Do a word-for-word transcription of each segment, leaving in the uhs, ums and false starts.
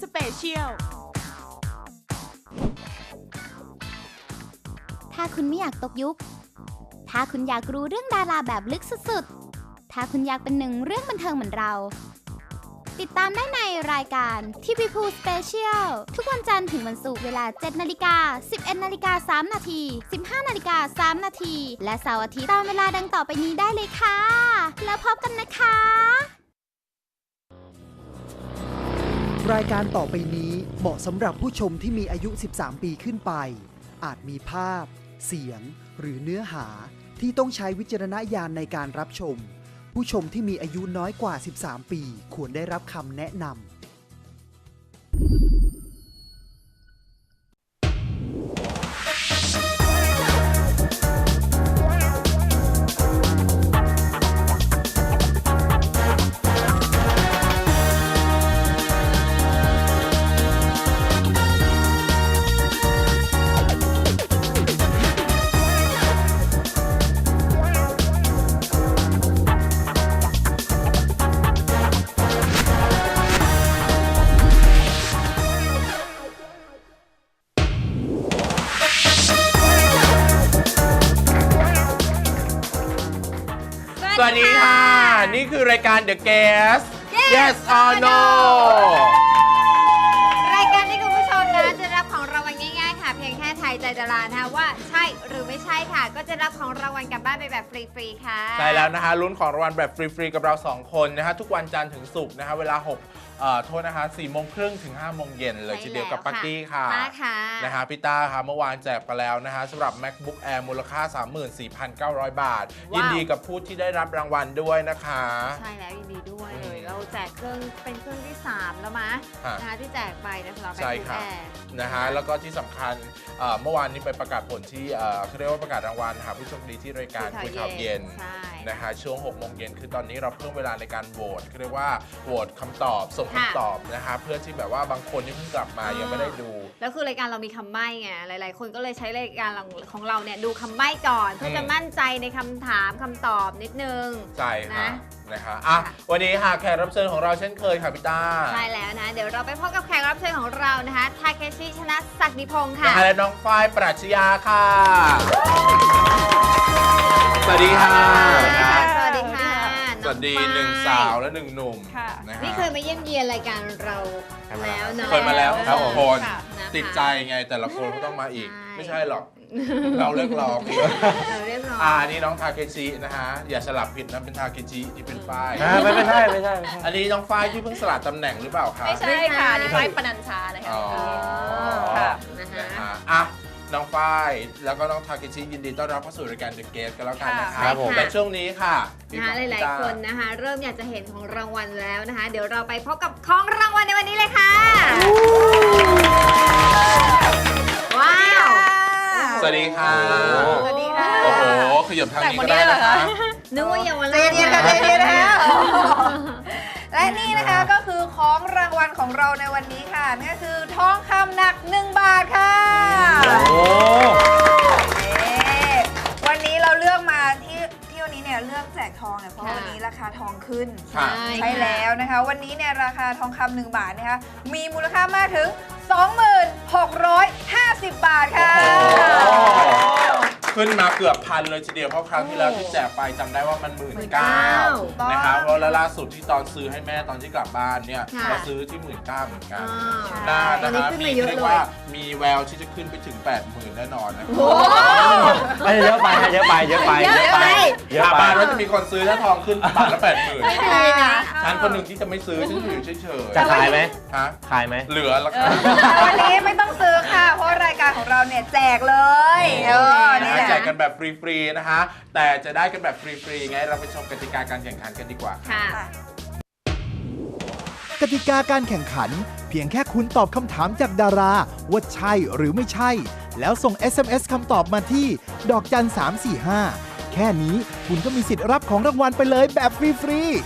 สเปเชียลถ้าคุณไม่อยากตกยุคถ้าคุณอยากรู้เรื่องดาราแบบลึกสุดๆถ้าคุณอยากเป็นหนึ่งเรื่องบันเทิงเหมือนเราติดตามได้ในรายการทีวีพูสเปเชียลทุกวันจันทร์ถึงวันศุกร์เวลา เจ็ดนาฬิกา สิบเอ็ดนาฬิกาสาม นาที สิบห้านาฬิกาสาม นาทีและเสาร์อาทิตย์ตามเวลาดังต่อไปนี้ได้เลยค่ะแล้วพบกันนะคะรายการต่อไปนี้เหมาะสำหรับผู้ชมที่มีอายุสิบสามปีขึ้นไปอาจมีภาพเสียงหรือเนื้อหาที่ต้องใช้วิจารณญาณในการรับชมผู้ชมที่มีอายุน้อยกว่าสิบสามปีควรได้รับคำแนะนำสวัสดีค่ะนี่คือรายการ The Guest Yes or No รายการที่คุณผู้ชมนะจะรับของรางวัลง่ายๆค่ะเพียงแค่ทายใจดารานะคะว่าใช่หรือไม่ใช่ค่ะก็จะรับของรางวัลกลับบ้านไปแบบฟรีๆค่ะใช่แล้วนะคะลุ้นของรางวัลแบบฟรีๆกับเราสองคนนะคะทุกวันจันทร์ถึงศุกร์นะคะเวลาหกเอ่อโทษนะคะสี่โมงครึ่งถึงห้าโมงเย็นเลยทีเดียวกับปักกี้ค่ะนะคะพี่ต้าค่ะเมื่อวานแจกไปแล้วนะคะสำหรับ MacBook Air มูลค่า สามหมื่นสี่พันเก้าร้อย บาทยินดีกับผู้ที่ได้รับรางวัลด้วยนะคะใช่แล้วยินดีด้วยเลยเราแจกเครื่องเป็นเครื่องที่สามแล้วมั้ยนะคะที่แจกไปนะสำหรับ MacBook Air นะคะแล้วก็ที่สำคัญเมื่อวานนี้ไปประกาศผลที่เขาเรียกว่าประกาศรางวัลหาผู้โชคดีที่รายการคุยข่าวเย็นนะคะช่วงหกโมงเย็นคือตอนนี้เราเพิ่มเวลาในการโหวตเขาเรียกว่าโหวตคำตอบส่งคำตอบนะคะเพื่อที่แบบว่าบางคนที่เพิ่งกลับมายังไม่ได้ดูแล้วคือรายการเรามีคำใบ้ไงหลายๆคนก็เลยใช้รายการของเราเนี่ยดูคำใบ้ก่อนเพื่อจะมั่นใจในคำถามคำตอบนิดนึงใช่ค่ะนะคะอ่ะวันนี้ค่ะแขกรับเชิญของเราเช่นเคยค่ะพี่ต้าใช่แล้วนะเดี๋ยวเราไปพบกับแขกรับเชิญของเรานะคะทาเคชิชนะศักดิพงศ์ค่ะและน้องฝ้ายปรัชญาค่ะสวัสดีค่ะสวัสดีค่ะสวัสดีค่ะสวัสดีหนึ่งสาวและหนึ่งหนุ่มนี่เคยมาเยี่ยมเยียนรายการเราแล้วเนาะเคยมาแล้วครับคนติดใจไงแต่ละคนก็ต้องมาอีกไม่ใช่หรอกเราเรียกร้องเราเรียกร้องอ่านี่น้องทาเคชินะฮะอย่าสลับผิดนะเป็นทาเคชิที่เป็นฝ้ายไม่ไม่ใช่ไม่ใช่อันนี้น้องฝ้ายที่เพิ่งสลัดตำแหน่งหรือเปล่าคะไม่ใช่ค่ะนี่ฝ้ายปนัญชานะคะอ๋อค่ะนะฮะอ่ะน้องฝ้ายแล้วก็น้องทาเคชิยินดีต้อนรับเข้าสู่รายการ The Guest กันแล้วกันนะคะแต่ช่วงนี้ค่ะนะคะหลายๆคนนะคะเริ่มอยากจะเห็นของรางวัลแล้วนะคะเดี๋ยวเราไปพบกับของรางวัลในวันนี้เลยค่ะว้าวสวัสดีค่ะสวัสดีค่ะโอ้โหขยับทางนี้ก็ได้นะคะนึกว่าเยาวราชเย็นๆกันเย็นๆนะคะและนี่นะคะก็คือของรางวัลของเราในวันนี้ค่ะนั่นก็คือทองคำหนักหนึ่งบาทค่ะวันนี้เราเลือกมาที่ที่วันนี้เนี่ยเลือกแจกทองเนี่ยเพราะวันนี้ราคาทองขึ้นใช่แล้วนะคะวันนี้เนี่ยราคาทองคำหนึ่งบาทนะคะมีมูลค่ามากถึง สองหมื่นหกร้อยห้าสิบ บาทค่ะขึ้นมาเกือบพันเลยทีเดียวเพราะครั้งที่แล้วที่แจกไปจำได้ว่ามันหมื่นเก้านะครับเพราะล่าสุดที่ตอนซื้อให้แม่ตอนที่กลับบ้านเนี่ยเราซื้อที่หมื่นเก้าเหมือนกันน่านะคะมีเรียกว่ามีแววที่จะขึ้นไปถึงแปดหมื่นแน่นอนนะไม่เยอะไปเยอะไปเยอะไปเยอะไปเยอะไปบ้านว่าจะมีคนซื้อถ้าทองขึ้นบาทละแปดหมื่นฉันคนหนึ่งที่จะไม่ซื้อฉันอยู่เฉยๆจะขายไหมฮะขายไหมเหลือแล้วครับวันนี้ไม่ต้องซื้อค่ะเพราะรายการของเราเนี่ยแจกเลยเออนี่แหละแจกกันแบบฟรีๆนะคะแต่จะได้กันแบบฟรีๆไงเราไปชมกติกาการแข่งขันกันดีกว่าค่ะกติกาการแข่งขันเพียงแค่คุณตอบคำถามจากดาราว่าใช่หรือไม่ใช่แล้วส่ง เอส เอ็ม เอส คำตอบมาที่ดอกจันสามสี่ห้าแค่นี้คุณก็มีสิทธิ์รับของรางวัลไปเลยแบบฟรีๆ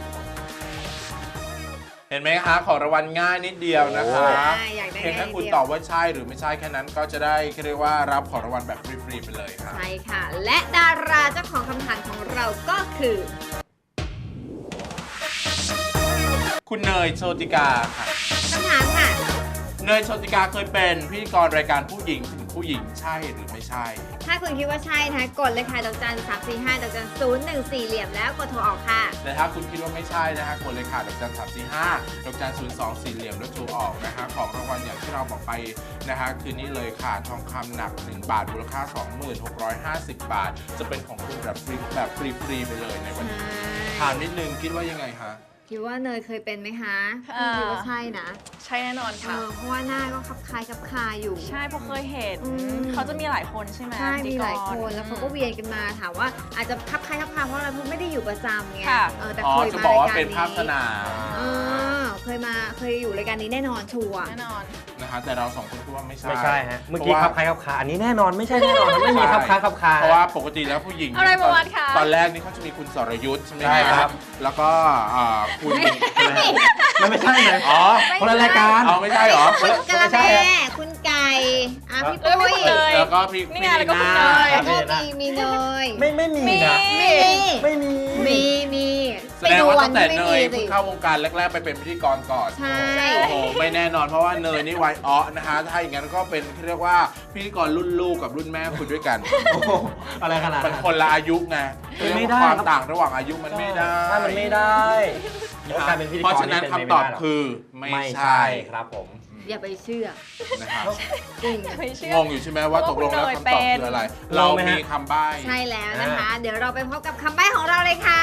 เห็นไหมคะของรางวัลง่ายนิดเดียวนะคะเพียงแค่คุณตอบว่าใช่หรือไม่ใช่แค่นั้นก็จะได้เรียกว่ารับของรางวัลแบบฟรีๆไปเลยค่ะใช่ค่ะและดาราเจ้าของคำถามของเราก็คือคุณเนยโชติกาค่ะคำถามค่ะเนยโชติกาเคยเป็นพิธีกรรายการผู้หญิงถึงผู้หญิงใช่หรือไม่ใช่ถ้าคุณคิดว่าใช่นะคะกดเลยค่ะดอกจันสามสี่ห้าดอกจันศูนย์หนึ่งสี่เหลี่ยมแล้วกดโทรออกค่ะแต่ถ้าคุณคิดว่าไม่ใช่นะฮะกดเลยค่ะดอกจันสามสี่ห้าดอกจันศูนย์สองสี่เหลี่ยมแล้วโทรออกนะฮะของรางวัลอย่างที่เราบอกไปนะฮะคืนนี้เลยค่ะทองคำหนักหนึ่งบาทมูลค่า สองหมื่นหกร้อยห้าสิบ บาท จะเป็นของคุณแบบฟรีแบบฟรีๆไปเลยในวันนี้ถามนิดนึงคิดว่ายังไงคะคิดว่าเนยเคยเป็นไหมคะอ่าคิดว่าใช่นะใช่แน่นอนเอค่ะอเพราะว่าหน้าก็คับคล้ายคับคาอยู่ใช่เพราะเคยเห็นอืมเขาจะมีหลายคนใช่ไหมใช่พิมีธีกรหลายคนแล้วเขาก็เวียนกันมาถามว่าอาจจะคับคล้ายคับคาเพราะอะไรเพราะไม่ได้อยู่ประจำไงค่ะเออแต่อ๋อเคยจะมาบอกรายว่าการเป็นภาพสนี้นามเออเคยมาเคยอยู่รายการนี้แน่นอนชัวร์แน่นอนนะฮะแต่เราสองคนคิดว่าไม่ใช่ไม่ใช่ฮะ เมื่อกี้พขัราะบว่าคล้ายขับคาอันนี้แน่นอนไม่ใช่แน่นอนครับไม่มีขับคล้ายขับคาเพราะว่าปกติแล้วผู้หญิงอะไรตประวัติคะตอนแรกนี่เขาจะมีคุณสรยุทธ์ใช่ไหมใช่ครับแล้วก็อ่าคุณมันไม่ใช่นะอ๋อคนละรายการเอาไม่ใช่เหรอคุณกะละไม่ใใช่แม่ฮะคุณไก่อ่ะพี่เอ้ยไม่ปุ้ยคุณเลยแล้วก็พี่นี่ไงพี่แล้วก็คุณนาเนยแล้วก็มีมีเนยไม่ไม่มีนะมีไม่มีมีมีแสดงว่าตั้งแต่ไปเนดูยวันที่ไม่มีสิเพิ่งเข้าวงการแรกๆไปเป็นพิธีกรก่อนใช่โอ้โหไม่แน่นอนเพราะว่าเนยนี่วัยอ้อนะฮะถ้าอย่างนั้นก็เป็นเรียกว่าพิธีกรรุ่นลูกกับรุ่นแม่คุณด้วยกันโอ้โหอะไรขนาดมันนั้นคนละอายุไงมันไม่ได้ความต่างระหว่างอายุมันไม่ได้ใช่มันไม่ได้แล้วการเป็นพิธีกรเพราะฉะนั้นเป็คำไปตอบไม่ได้หรกคือไม่ไม่ใช่ใช่ครับผมอย่าไปเชื่อนะครับจริงไม่เชื่องงอยู่ใช่ไหมว่าตกลงแล้วคำตอบคืออะไรงเรางไหมฮะมีคำใบ้ใช่แล้วนะคะ เดี๋ยวเราไปพบกับคำใบ้ของเราเลยค่ะ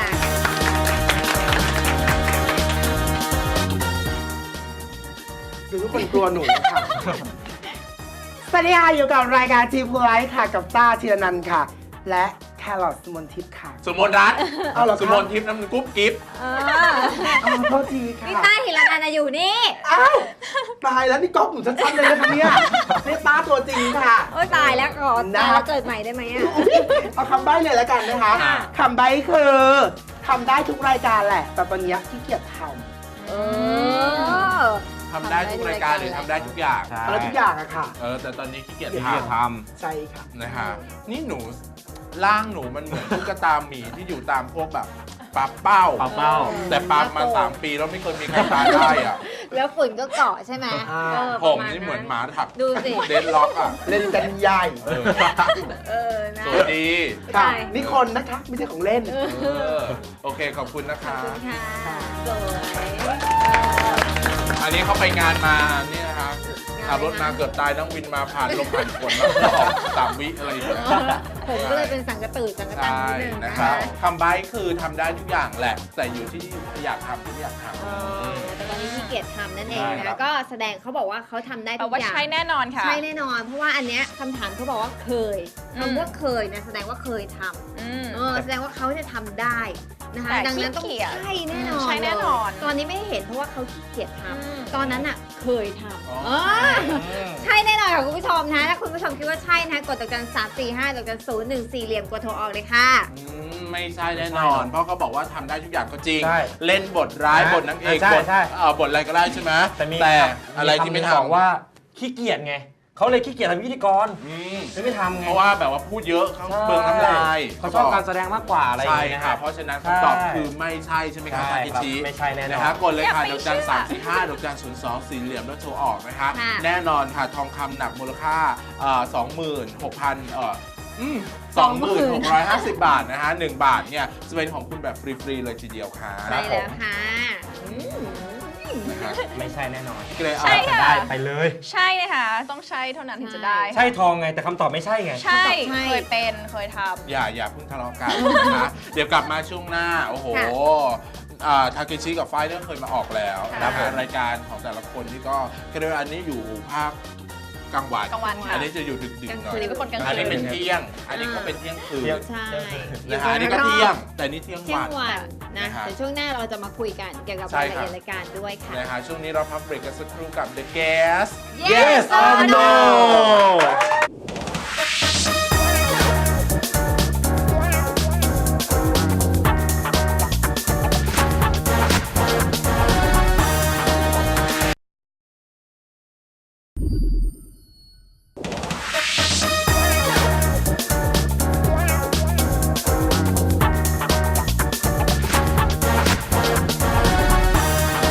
คือทุกคนกลัวหนูค่ะ สวัสดีค่ะอยู่กับรายการทีมพูไลท์ค่ะกับต้าธีรนันท์ค่ะ และแครอทสมนทิพย์ค่ะสมมติรัฐเอาเหรอครับสมมติทิพย์น้ำมันกุ๊บกิ๊บเอออ้าวโทษทีค่ะพี่ต้าหิรันอันอยู่นี่อ้าวตายแล้วนี่ก๊อฟหนูชัดๆเลยนะคะเนี่ยนี่ต้าตัวจริงค่ะโอ้ยตายแล้วก่อนนะตายแล้วเกิดใหม่ได้ไหมอ่ะเอาคำใบ้เลยแล้วกันนะคะค่ะคำใบ้คือทำได้ทุกรายการแหละ แต่ตอนเนี้ยขี้เกียจทเออทำได้ทุกรายการหรือทำได้ทุกอย่างใช่ำอะไรทุกอย่างอะค่ะเออแต่ตอนนี้ขี้เกียจที่ทจะทใช่ค่ะำนะฮะนี่หนูร่างหนูมันเหมือนตุ๊กตาหมีที่อยู่ตามพวกแบบปลาเป้าำเป้าเป้าแต่ปลามาสามปีแล้วไม่เคยมีใครตายได้อ่ะแล้วฝุ่นก็เกาะใช่ไหมอ่าเออผมประาณนี่เหมือนหมาถักดูสิเดนล็อกอ่ะเล่นกันใหญ่เออเออนะสวัสดีค่ะใช่นี่คนนะคะไม่ใช่ของเล่นเออโอเคขอบคุณนะขอบคะคุณค่ะสวยอันนี้เขาไปงานมานี่นะคะขับรถมาเกือบตายนั่งวินมาผ่านลมผ่านฝนมาออกสามวิอะไรอย่างเงี้ยผมก็เลยเป็นสังกะตือสังกะตันใช่นิดนึงนะนะครัคะบคำใบ้คือทำได้ทุกอย่างแหละ แต่อยู่ที่อยากทำหรือไม่อยากทเออแต่ตอนนี้ขี้เกียจทำนั่นเองใช่ครันะบก็แสดงเขาบอกว่าเขาทำได้แต่ทุกว่าอย่างใช่แน่นอนค่ะใช่แน่นอน เพราะว่าอันเนี้ยคำถามเขาบอกว่าเคยอืมคำว่าเคยนะแสดงว่าเคยทำอืมเออแสดงว่าเขาจะทำได้นะคะแต่ดังนั้นต้องขี้เกียจใช่แน่นอนใช่แน่นอนเลยตอนนี้ไม่เห็นเพราะว่าเขาขี้เกียจทอืมำตอนนั้นอ่ะเคยทำอ๋อเออใช่แน่นอนค่ะคุณผู้ชมนะถ้าคุณผู้ชมคิดว่าใช่นะกดดอกจันสามสี่ห้าดอกจันศูนย์หนึ่งสี่เหลี่ยมกดโทรออกเลยค่ะำอืมไม่ใช่แน่นอน เพราะเขาบอกว่าทำได้ทุกอย่างก็จริงใช่เล่นบทร้ายใช่บทนางเอกใช่บทใช่เอ่อบทอะไรก็ได้ใช่ไหมแต่มีแต่อะไรที่ไม่คำหนึ่งบอกทำว่าขี้เกียจไงเขาเลยขี้เกียจทำพิธีกรอืมเลยไม่ทำไงเพราะว่าแบบว่าพูดเยอะเขาเบืองน้ำลายเขาชอบการแสดงมากกว่าอะไรอย่างใช่เงี้ยค่ะนะเพราะฉะนั้นใช่คำตอบคือไม่ใช่ใช่ไหมครับใช่ทากิครับชิไม่ใช่แน่นอนนะฮะกดเลยค่ะอย่าดไปอกจันเชื่อสามสี่ห้าดอกจันศูนย์สองสี่เหลี่ยมแล้วโทรออกนะคะค่ะแน่นอนค่ะทองคำหนักมูลค่าสองหมื่นหกพันเอ่อสองหมื่นหกร้อยห้าสิบบาทนะฮะหนึ่งบาทเนี่ยจะเป็นของคุณแบบฟรีๆเลยทีเดียวค่ะใช่แล้วค่ะอืมนะฮะไม่ใช่แน่นอนก็เลยเอาใช่ค่ะได้ไปเลยใช่เลยค่ะ ต้องใช่เท่านั้นถึงจะได้ใช่ทองไงแต่คำตอบไม่ใช่ไงใช่ใช่เคยเป็นเคยทำอย่าอย่าเพิ่งทะเลาะกันนะคะเดี๋ยวกลับมาช่วงหน้า โอ้โหค่ะอ่าทาเกชิกับไฟเนี่ยเคยมาออกแล้วค่ะนะคะรายการของแต่ละคนที่ก็ก็เรียกว่าอันนี้อยู่ภาคกลางวันกลางวันค่ะอันนี้จะอยู่ดึกๆหน่อยอันนี้เป็นคนกลางคืนอันนี้เป็นเที่ยง อันนี้ก็เป็นเที่ยงคืนเที่ยงใช่นะฮะอันนี้ก็เที่ยง แต่นี่เที่ยงเที่ยวังนวันนะนะฮะเดี๋ยวช่วงหน้าเราจะมาคุยกันเกี่ยวกับใช่รายครัละบเอียดรายการด้วยค่ะนะฮะช่วงนี้เราพักเบรกกันสักครู่กับ The Guest Yes or No ก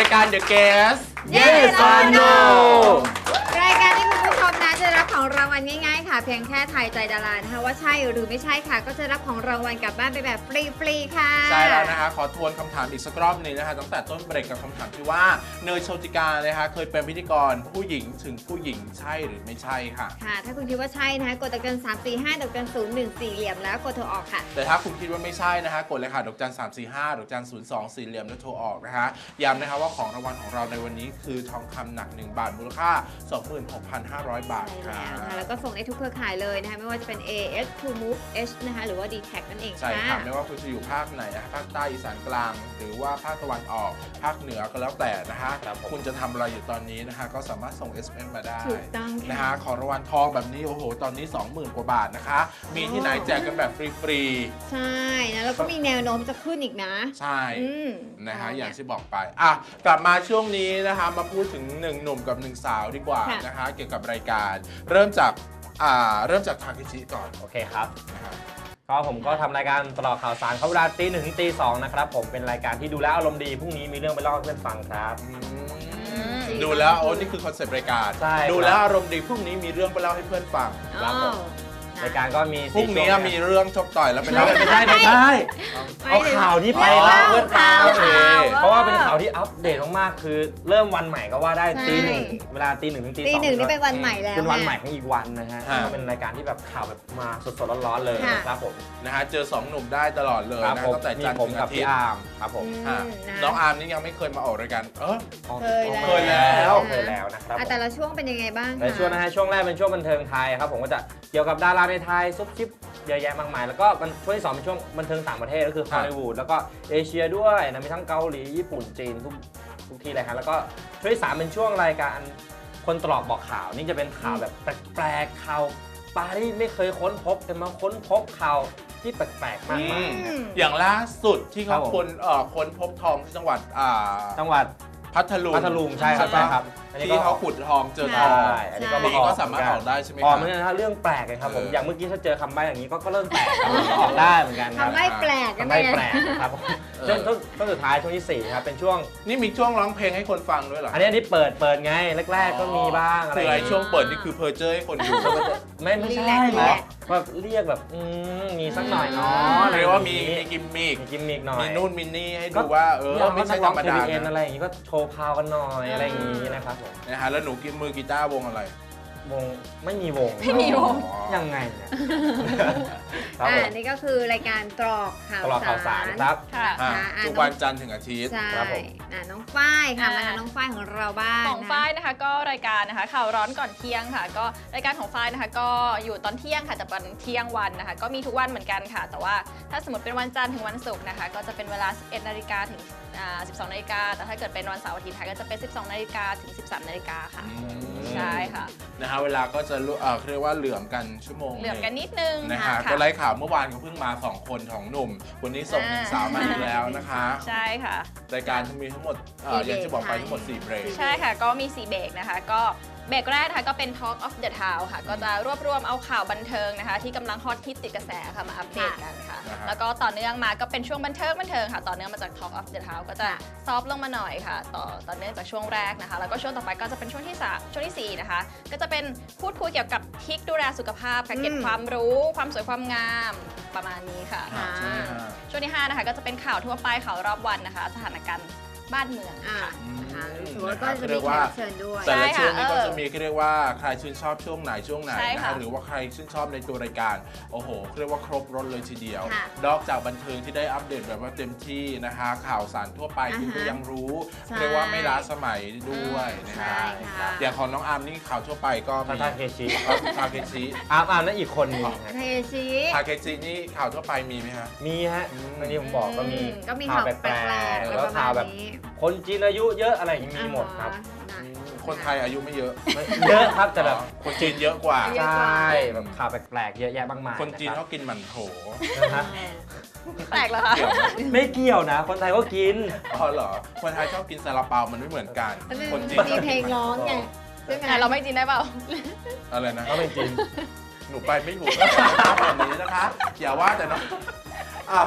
ายการ The Guest Yes or No รายการที่คุณผู้ชมนะจะรับของรางวัลง่ายๆค่ะเพียงแค่ทายใจดารานะคะว่าใช่หรือไม่ใช่ค่ะก็จะรับของรางวัลกลับบ้านไปแบบฟรีๆค่ะใช่แล้วนะคะขอทวนคำถามอีกสักรอบหนึงนะคะตั้งแต่ต้นเบรกกับคำถามที่ว่าเนยโชติกานะคะเคยเป็นพิธีกรผู้หญิงถึงผู้หญิงใช่หรือไม่ใช่ค่ะค่ะถ้าคุณคิดว่าใช่นะคะกดดอกจันสามสี่ห้าดอกจันศูนย์หนึ่งสี่เหลี่ยมแล้วกดโทรออกค่ะแต่ถ้าคุณคิดว่าไม่ใช่นะคะกดเลยค่ะดอกจันสามสี่ห้าดอกจันศูนย์สองสี่เหลี่ยมแล้วโทรออกนะคะย้ำนะคะว่าของรางวัลของเราในวันนี้คือทองคำหนักหนึ่งบาทมูลค่า สองหมื่นหกพันห้าร้อย บาทค่ะแล้วก็ส่งได้ทุกเครือข่ายเลยนะคะไม่ว่าจะเป็น เอ เอส True Move H นะคะหรือว่า ดี แท็ก นั่นเองใช่ค่ะค่ะไม่ว่าคุณจะอยู่ภาคไหนนะคะภาคใต้อีสานกลาง หรือว่าภาคตะวันออกภาคเหนือก็แล้วแต่นะคะคุณจะทำอะไรอยู่ตอนนี้นะคะก็สามารถส่ง เอส เอ็ม เอส มาได้ถูกต้องนะคะของรางวัลทองแบบนี้โอ้โหตอนนี้ สองหมื่น กว่าบาทนะคะมีที่ไหนแจกกันแบบฟรีๆใช่นะแล้วก็มีแนวโน้มจะขึ้นอีกนะใช่นะคะอย่างที่บอกไปอ่ะกลับมาช่วงนี้นะคะมาพูดถึงหนึ่งหนุ่มกับหนึ่งสาวดีกว่านะคะเกี่ยวกับรายการเริ่มจากอ่าเริ่มจากทาเคชิก่อนโอเคครับก็ผมก็ทำรายการตลอดข่าวสารเข้าเวลาตีหนึ่งถึงตีสองนะครับผมเป็นรายการที่ดูแล้วอารมณ์ดีพรุ่งนี้มีเรื่องไปเล่าให้เพื่อนฟังครับดูแล้วโอ้นี่คือคอนเซ็ปต์รายการดูแล้วอารมณ์ดีพรุ่งนี้มีเรื่องไปเล่าให้เพื่อนฟังครับผมรายการก็มีพรุ่งนี้มีเรื่องชกต่อยแล้วเป็นเล่าไม่ได้ไม่ได้เอาข่าวที่ไปเล่าเพื่อนฟังเพราะว่าเป็นข่าวที่อัปเดตมากๆคือเริ่มวันใหม่ก็ว่าได้ตีหนึ่งเวลาตีหนึ่งถึงตีสองตีหนึ่งนี่เป็นวันใหม่แล้วเป็นวันใหม่ของอีกวันนะฮะก็เป็นรายการที่แบบข่าวแบบมาสดๆร้อนๆเลยครับผมนะฮะเจอสองหนุ่มได้ตลอดเลยนะตั้งแต่จันทร์ถึงอาทิตย์ครับผมน้องอาร์มนี่ยังไม่เคยมาออกรายการเออเคยแล้วเคยแล้วนะครับแต่ละช่วงเป็นยังไงบ้างในช่วงนะฮะช่วงแรกเป็นช่วงบันเทิงไทยครับผมก็จะเกี่ยวกับดาราในไทยซุปชิปเยอะแยะมากมายแล้วก็ช่วงที่สองเป็นช่วงบันเทิงต่างประเทศก็คือฮอลลีวูดแล้วก็เอเชียด้วยนะมีทั้งเกาหลีญี่ปุ่นจีนทุกทุกที่เลยครับแล้วก็ช่วงที่สามเป็นช่วงรายการคนตลอกบอกข่าวนี่จะเป็นข่าวแบบแปลกๆข่าวปาที่ไม่เคยค้นพบแต่มาค้นพบข่าวที่แปลกๆมากๆอย่างล่าสุดที่เขาค้นค้นพบทองที่จังหวัดจังหวัดพัทลุงพัทลุงใช่ครับใช่ครับที่เขาขุดทองเจอทองอันนี้ก็มีก็สามารถออกได้ใช่ไหมครับอ๋อไม่ใช่นะเรื่องแปลกเลยครับผมอย่างเมื่อกี้ถ้าเจอคำใบ้อย่างนี้ก็เริ่มแปลกออกได้เหมือนกันคำใบ้แปลกคำใบ้แปลกครับช่วงช่วงสุดท้ายช่วงที่สี่ครับเป็นช่วงนี่มีช่วงร้องเพลงให้คนฟังด้วยเหรออันนี้อันนี้เปิดเปิดไงแรกๆก็มีบ้างอะไรคือไอ้ช่วงเปิดนี่คือเพอร์เจอร์ให้คนดูไม่ไม่ใช่แบบเรียกแบบมีสักหน่อยเนาะเรียกว่ามีมีกิมมิกมีกิมมิกหน่อยมีนู่นมีนี่ให้ดูว่าเออไม่ใช่ธรรมดาอะไรอย่างนี้ก็โชว์พาวกันหน่อยอะไรอย่างนี้นะครับผมนะฮะแล้วหนูกินมือกีตาร์วงอะไรวงไม่มีวงไม่มีวงยังไงเนี่ยอ่านี่ก็คือรายการตรอกข่าวสารครับทุกวันจันทร์ถึงอาทิตย์ครับผมน้องฝ้ายค่ะมาน้องฝ้ายของเราบ้างของฝ้ายนะคะก็รายการนะคะข่าวร้อนก่อนเที่ยงค่ะก็รายการของฝ้ายนะคะก็อยู่ตอนเที่ยงค่ะจะเป็นเที่ยงวันนะคะก็มีทุกวันเหมือนกันค่ะแต่ว่าถ้าสมมติเป็นวันจันทร์ถึงวันศุกร์นะคะก็จะเป็นเวลา สิบเอ็ดนาฬิกาถึงสิบสองนาฬิกาแต่ถ้าเกิดเป็นวันเสาร์อาทิตย์ก็จะเป็นสิบสองนาฬิกาถึงสิบสามนาฬิกาค่ะใช่ค่ะนะฮะเวลาก็จะเรียกว่าเหลื่อมกันชั่วโมงเหลื่อมกันนิดนึงนะฮะก็ไล่ข่าวเมื่อวานก็เพิ่งมาสองคนของหนุ่มวันนี้ส่งหนึ่งสาวมาอีกแล้วนะคะใช่ค่ะรายการจะมีทั้งหมดอย่างที่บอกไปทั้งหมดสี่เบรกใช่ค่ะก็มีสี่เบรกนะคะก็เบรกแรกนะคะก็เป็น Talk of the Town ค่ะก็จะรวบรวมเอาข่าวบันเทิงนะคะที่กำลังฮอตฮิตติดกระแสค่ะมาอัปเดตกันค่ะแล้วก็ต่อเนื่องมาก็เป็นช่วงบันเทิงบันเทิงค่ะต่อเนื่องมาจาก Talk of the Town ก็จะซอฟลงมาหน่อยค่ะต่อต่อเนื่องจากช่วงแรกนะคะแล้วก็ช่วงต่อไปก็จะเป็นช่วงที่สามช่วงที่สี่นะคะก็จะเป็นพูดคุยเกี่ยวกับทริคดูแลสุขภาพค่ะเก็บความรู้ความสวยความงามประมาณนี้ค่ะช่วงที่ห้านะคะก็จะเป็นข่าวทั่วไปข่าวรอบวันนะคะสถานการณ์บ้านเมืองค่ะก็จะมีแขกเชิญด้วยแต่ละช่วงนี้ก็จะมีเรียกว่าใครชื่นชอบช่วงไหนช่วงไหนนะหรือว่าใครชื่นชอบในตัวรายการโอ้โหเรียกว่าครบรถเลยทีเดียวนอกจากบันเทิงที่ได้อัปเดตแบบว่าเต็มที่นะคะข่าวสารทั่วไปคุณก็ยังรู้เรียกว่าไม่ล้าสมัยด้วยนะคะอย่างของน้องอาร์มนี่ข่าวทั่วไปก็มีทาเคชิทาเคชิอาร์มอาร์มนั่นอีกคนนึงทาเคชิทาเคชินี่ข่าวทั่วไปมีไหมฮะมีฮะวันนี้ผมบอกก็มีก็มีข่าวแปลกๆแล้วข่าวแบบคนจีนอายุเยอะอะไรอย่างนี้มีหมดครับคนไทยอายุไม่เยอะเยอะครับแต่แบบคนจีนเยอะกว่าใช่แบบข่าวแปลกๆเยอะแยะมากมายคนจีนเขากินหมั่นโถแปลกเหรอคะไม่เกี่ยวนะคนไทยก็กินอ๋อเหรอคนไทยชอบกินซาลาเปามันไม่เหมือนกันคนจีนมีเพลงร้องไงใช่ไหมเราไม่จีนได้เปล่าอะไรนะก็ไม่จีนหนูไปไม่ถูกแล้วแบบนี้นะคะอย่าว่าแต่น้องอ่ะ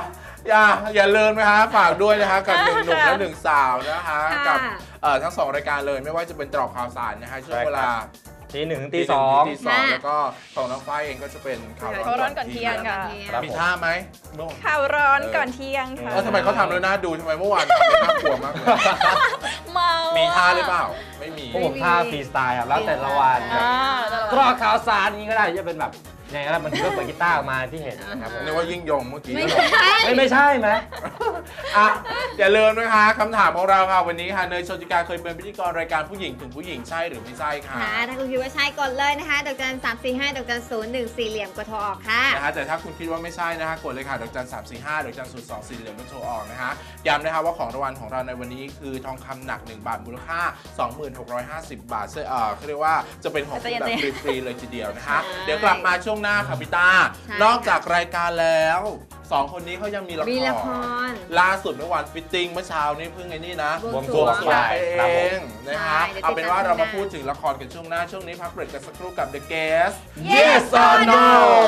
อย่าอย่าลืมนะคะฝากด้วยนะคะกับหนึ่งหนุ่มและหนึ่งสาวนะคะค่ะกับเอ่อทั้งสองรายการเลยไม่ว่าจะเป็นตรอกข่าวสารนะคะช่วงเวลาทีหนึ่งถึงตีตีสองตีสองแล้วก็ของน้องฝ้ายเองก็จะเป็นข่าวข่าวร้อนก่อนเที่ยงค่ะครับมีผมท่าไหมเมื่อวานข่าวร้อนก่อนเที่ยงค่ะเออทำไมเขาทำแล้วน่าดูทำไมเมื่อวานทำแล้วน่ากลัวมากเลยเมามีมีท่าหรือเปล่าไม่มีพวกผมท่าฟรีสไตล์ครับแล้วแต่ละวันแบบอ่ากรอกข่าวสารนี้ก็ได้จะเป็นแบบยังไงก็ได้มันก็เปิดกีตาร์ออกมาที่เห็นนะครับผมนึกว่ายิ่งยงเมื่อกี้ไม่แล้วใช่ไม่ไม่ใช่ไหมอ่ะอย่าลืมนะคะคำถามของเราค่ะวันนี้ค่ะเนยโชติกาเคยเป็นพิธีกรรายการผู้หญิงถึงผู้หญิงใช่หรือไม่ใช่ค่ะค่ะถ้าคุณคิดว่าใช่กดเลยนะคะดอกจันสามสี่ห้าดอกจันศูนย์หนึ่งสี่เหลี่ยมกดโทรออกค่ะนะคะแต่ถ้าคุณคิดว่าไม่ใช่นะคะกดเลยค่ะดอกจันสามสี่ห้าดอกจันศูนย์สองสี่เหลี่ยมแล้วโทรออกนะคะย้ำนะคะว่าของรางวัลของเราในวันนี้คือทองคำหนักหนึ่งบาทมูลค่า สองหมื่นหกร้อยห้าสิบ บาทซึ่งเอ่อเขาเรียกว่าจะเป็นของคุณแบบฟรีๆเลยทีเดียวนะคะใช่เดี๋ยวกลับมาช่วงหน้าค่ะพี่ตาใช่นอกจากรายการแล้วสองคนนี้เขายังมีละครมีละครล่าสุดเมื่อวานฟิตติ้งเมื่อเช้านี่เพิ่งไอ้นี่นะบวงบสรววงงสรวงไปเอครับผมงนะคะใช่เดี๋ยวเอาเป็นว่าติดตามเรามาช่วงหน้าพูดถึงละครกันช่วงหน้าช่วงนี้พักเบรกกันสักครู่กับ The Guest Yes or No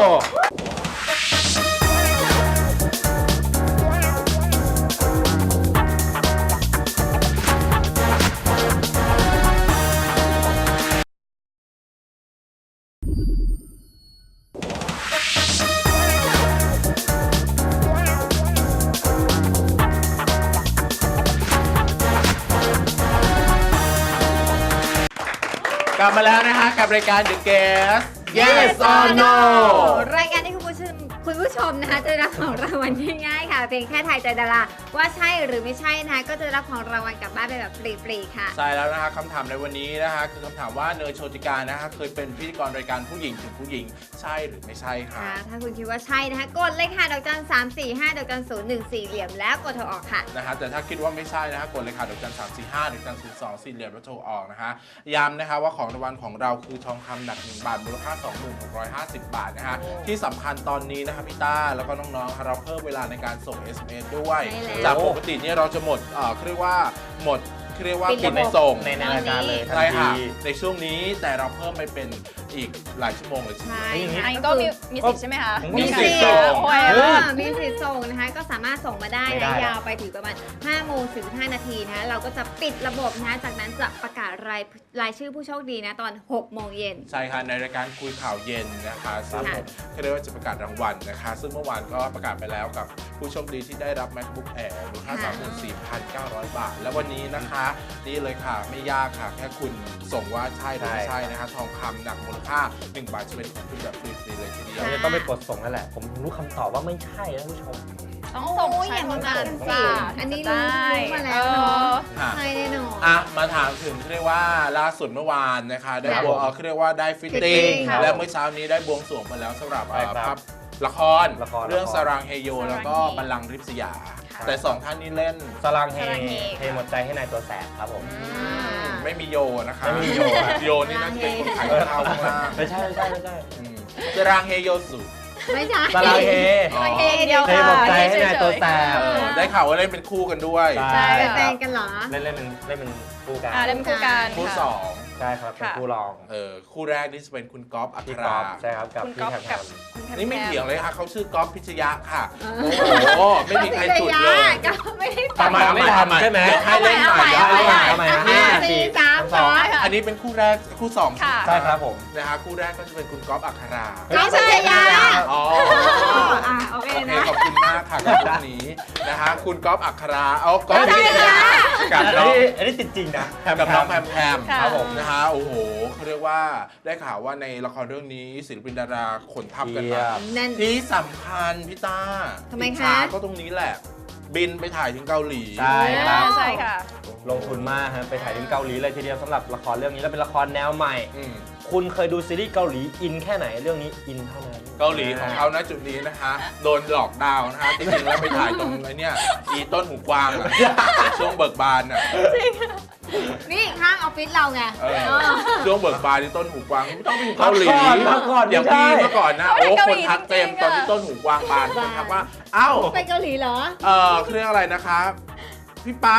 กลับมาแล้วนะคะกับรายการ The Guest Yes or No รายการที่คุณผู้ชมคุณผู้ชมนะคะจะได้รับของรางวัลง่ายๆค่ะเพียงแค่ทายใจดาราว่าใช่หรือไม่ใช่นะคะก็จะได้รับของรางวัลกลับบ้านไปแบบฟรีๆค่ะใช่แล้วนะคะคำถามในวันนี้นะคะคือคำถามว่าเนยโชติกานะคะเคยเป็นพิธีกรรายการผู้หญิงถึงผู้หญิงใช่หรือไม่ใช่ค่ะค่ะถ้าคุณคิดว่าใช่นะคะกดเลยค่ะดอกจันสามสี่ห้าดอกจันศูนย์หนึ่งสี่เหลี่ยมแล้วกดโทรออกค่ะนะคะแต่ถ้าคิดว่าไม่ใช่นะคะกดเลยค่ะดอกจันสามสี่ห้าดอกจันศูนย์สองสี่เหลี่ยมแล้วโทรออกนะคะย้ำนะคะว่าของรางวัลของเราคือทองคำหนักหนึ่งบาทมูลค่า สองหมื่นหกร้อยห้าสิบ บาทนะคะที่สำคัญตอนนี้นะคะพี่ต้าแล้วก็น้องๆค่ะเราเพิ่มเวลาในการส่ง เอส เอ็ม เอส ด้วยใช่แล้วจากปกติเนี่ยเราจะหมดเอ่อเรียกว่าหมดเรียกว่าปิดปิดระบบในส่งในในรายการเลยทันใช่ค่ะทีในช่วงนี้แต่เราเพิ่มไปเป็นอีกหลายชั่วโมงเลยทีเดียวใช่อย่างนี้อันนี้ก็มีมีสิทธิ์ใช่ไหมคะมีมีสิสิททธิ์ธิ์ส่งโอ้ยเออมีสิทธิ์ส่งนะคะก็สามารถส่งมาได้ไม่ได้นะยาวไปถึงประมาณห้าโมงสี่สิบห้านาทีนะคะเราก็จะปิดระบบนะคะจากนั้นจะประกาศรายรายชื่อผู้โชคดีนะตอนหกโมงเย็นใช่ค่ะในรายการคุยข่าวเย็นนะคะซึ่งค่ะเขาเรียกว่าจะประกาศรางวัลนะคะ ซึ่งเมื่อวานก็ประกาศไปแล้วกับผู้โชคดีที่ได้รับ MacBook Air มูลค่า สามหมื่นสี่พันเก้าร้อย บาท และวันนี้นะคะนี่เลยค่ะไม่ยากค่ะแค่คุณส่งว่าใช่หรือไม่ใช่นะคะทองคำหนักมูลค่าหนึ่งบาทจะเป็นของคุณแบบฟรีๆเลยทีเดียวเราจะต้องไปกดส่งนั่นแหละ ผมรู้คำตอบว่าไม่ใช่นะท่านผู้ชมต้องส่งโอ้ยใช้อย่าโทมารศัพกันท์สิจ้าอันนี้ถึงรู้จะได้รู้มาแล้วเนอะอ่ะใช่แน่นอนอ่ะมาถามถึงเรียกว่าล่าสุดเมื่อวานนะคะได้ค่ะบวงเอ่อเรียกว่าได้ฟิตติ้ง fitting ค่ะและเมื่อเช้านี้ได้บวงสรวงไปแล้วสำหรับใช่ครับภาพละครละครเรื่องละครสรางเฮโย แล้วก็บัลลังก์ริบสยาค่ะแต่สองท่านนี้เล่นสลังเฮสลังเฮเทหมดใจให้นายตัวแสบครับผมไม่มีโยนะคะไม่มีโยอะโยนี่น่าจะเป็นคนขายข้าวข้างล่างไม่ใช่ไม่ใช่ไม่ใช่อืมสรางเฮโยสุไม่ใช่สลังเฮอ๋อเองเดียวเทค่ะหมดใจให้นายตัวแสบเออได้ข่าวว่าเล่นเป็นคู่กันด้วยใช่เป็นแฟนกันเหรอเล่นเล่นเป็นเล่นเป็นคู่กันอ่าเล่นคู่กันคู่ค่ะสองใช่ครับเป็นค่ะคู่รองเออคู่แรกนี่จะเป็นคุณก๊อฟอัคพี่รกอราล์ฟใช่ครับกับคุณพี่ก๊อฟแคมกับแคมคุณแพมนี่ไม่แพมเถียงเลยค่ะเขาชื่อก๊อฟพิชยะค่ะเอโอ้อโหไม่มีใครจุดเลยก็ไม่ได้ทำไมไม่ทันใช่ไหมให้เล่นใหม่เอาใหม่ทำไมห้าสี่สามสองอันนี้เป็นคู่แรกคู่สองค่ะใช่ครับผมนะคะคู่แรกก็จะเป็นคุณก๊อฟอัคราก๊อฟพิชยาอ๋ออ่ะโอเคโอเคนะขอบคุณมากค่ะกับพวกนี้นะคะคุณก๊อฟอัคราเอาก๊อฟพิชยะกับอันน้องนี้อันนี้ติดจริงนะกับน้องแพมแพมค่ะครับผมนะคะโอ้โหเขาเรียกว่าได้ข่าวว่าในละครเรื่องนี้ศิลปินดาราขนทัพกันมาแน่นที่สำคัญพี่ต้าทำไมคะอิจฉาก็ตรงนี้แหละ บินไปถ่ายถึงเกาหลีใช่ครับใช่ค่ะลงทุนมากฮะไปถ่ายที่เกาหลีเลยทีเดียวสำหรับละครเรื่องนี้แล้วเป็นละครแนวใหม่อืมคุณเคยดูซีรีส์เกาหลีอินแค่ไหนเรื่องนี้อินเท่านั้นเกาหลีของเขาณจุดนี้นะคะ โดนหลอกดาวน์นะคะจริงๆแล้วไปถ่ายตรงไอ้เนี่ยอีต้นหูกวางอะช่วงเบิกบานอ่ะนี่ข้างออฟฟิศเราไงเออช่วงเบิกบานที่ต้นหูกวางไม่ต้องไปถึงเกาหลีมาก่อนอย่างไม่พี่ใช่เมื่อก่อนนะเขาโอ้ไปเกาคหนลีทักเต็มจริงๆตอนที่อะต้นหูกวางบานคนทักว่าเอ้าไปเกาหลีเหรอเออเครื่องอะไรนะคะพี่ปั๊ก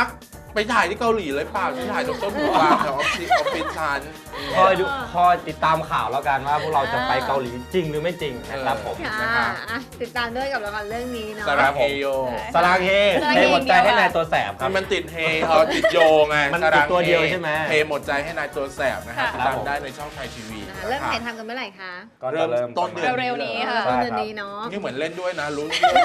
ไปถ่ายที่เกาหลีเลยเปล่าที่ถ่ายตรงต้นบัวแถวออฟฟิศออฟฟิศฉันคอยดูคอยติดตามข่าวแล้วกันว่าพวกเราจะไปเกาหลีจริงหรือไม่จริงนะครับผมค่ะนะครับอ่ะติดตามด้วยกับละครเรื่องนี้เนาะสาราเฮโยสลางเฮในหมดใจให้นายตัวแสบครับมันติดเฮเออติดโยไงมันติดตัวเดียวใช่ไหมเฮหมดใจให้นายตัวแสบนะครับค่ะติดตามได้ในช่องไทยทีวีนะคะเริ่มถ่ายทำกันเมื่อไหร่คะก็จะเริ่เริ่มมต้นเดือนเร็วๆนี้ค่ะต้นเดือนนี้เนาะนี่เหมือนเล่นด้วยนะรู้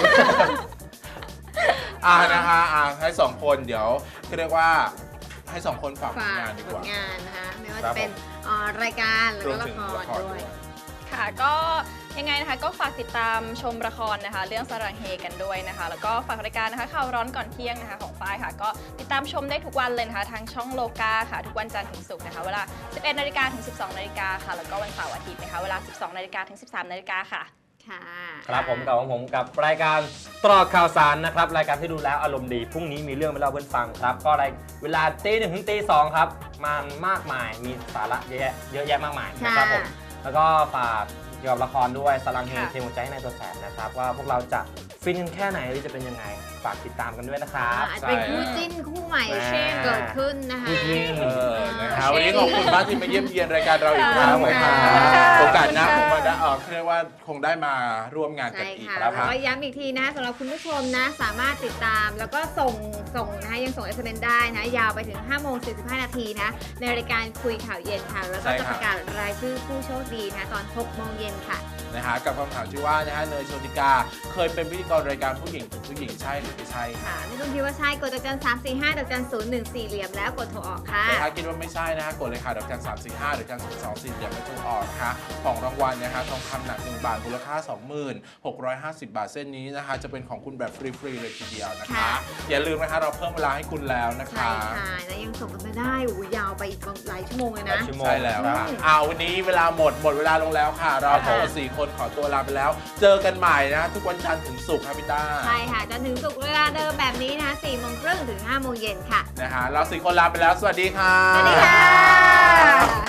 อ่านะคะอ่าให้สองคนเดี๋ยวเรียกว่าให้สองคนฝากผลฝากงานดีผกว่าลงานนะคะไม่ว่าครัจะบเป็นเอ่อรายการแล้วรวก็มละถึงคละรครด้ด้ววย ยค่ะก็ยังไงนะคะก็ฝากติดตามชมละครนะคะ เรื่องสรังเฮกันด้วยนะคะ แล้วก็ฝากรายการนะคะข่าวร้อนก่อนเที่ยงนะคะของฝ้ายค่ะ ก็ติดตามชมได้ทุกวันเลยนะคะทางช่องโลกาค่ะทุกวันจันทร์ถึงศุกร์นะคะเวลา สิบเอ็ดนาฬิกาถึง สิบสองนาฬิกาค่ะแล้วก็วันเสาร์อาทิตย์นะคะเวลา สิบสองนาฬิกาถึง สิบสามนาฬิกาค่ะค่ะครับผมกับของผมกับรายการตรอกข่าวสารนะครับรายการที่ดูแล้วอารมณ์ดีพรุ่งนี้มีเรื่องมาเล่าเพื่อนฟังครับก็รายเวลาตีหนึ่งถึงตีสองครับมันมากมายมีสาระเยอะแยะเยอะแยะมากมายนะครับผมแล้วก็ฝากเกี่ยวกับละครด้วยสลังเฮค่ะเทหัวใจให้นายตัวแสบนะครับว่าพวกเราจะฟินกันแค่ไหนหรือจะเป็นยังไงฝากติดตามกันด้วยนะครับอาจจะเป็นคู่จิ้นคู่ใหม่ใช่เกิดขึ้นนะคะคู่จิ้นเออนะครับวันนี้ขอบคุณมากที่มาเยี่ยมเยียนรายการเราอีกครั้งครับผมนะครับค่ะโอกาสหน้าคงมาได้เออเรียกว่าคงได้มาร่วมงานกันใช่อีกค่ะนะแล้วครับก็ย้ำอีกทีนะสำหรับคุณผู้ชมนะสามารถติดตามแล้วก็ส่งส่งนะคะยังส่ง เอส เอ็ม เอส ได้นะยาวไปถึง ห้าโมงสี่สิบห้านาทีนะในรายการคุยข่าวเย็นค่ะ แล้วก็ใช่จะคปรับระกาศรายชื่อผู้โชคดีนะตอน หกโมงเย็นค่ะนะฮะกับคำถามที่ว่านะฮะเนยโชติกาเคยเป็นพิธีกรรายการผู้หญิงผู้หญิงใช่หรือไม่ใช่ค่ะไม่ต้องคิดว่าใช่กดดอกจันสามสี่ห้าดอกจันศูนย์หนึ่งสี่เหลี่ยมแล้วกดโทรออกค่ะแต่ถ้าคิดว่าไม่ใช่นะฮะกดเลยค่ะดอกจันสามสี่ห้าดอกจันศูนย์สองสี่เดี๋ยวไม่ถูกออกนะคะของรางวัลนะฮะทองคำหนักหนึ่งบาทมูลค่า สองหมื่นหกร้อยห้าสิบ บาทเส้นนี้นะคะจะเป็นของคุณแบบฟรีๆเลยทีเดียวนะคะค่ะอย่าลืมนะคะเราเพิ่มเวลาให้คุณแล้วนะใช่คะค่ะนะยังส่งกันไม่ได้โอ้ยยาวไปอีกหลายชั่วโมงเลยนะชั่วโมงใช่แล้วคค่ะรับอ้าววันนี้เวลาหมดหมดเวลาลงแล้วค่ะ เราค่ะทั้งสี่คนขอตัวลาไปแล้ว เจอกันใหม่นะทุกวันจันทร์ถึงศุกร์ครับพี่ต้าใช่ค่ะจนถึงสุกร์เวลาเดิมแบบนี้นะคะสี่โมงครึ่งถึงห้าโมงเย็นค่ะนะฮะเราสี่คนลาไปแล้วสวัสดีค่ะสวัสดีค่ะ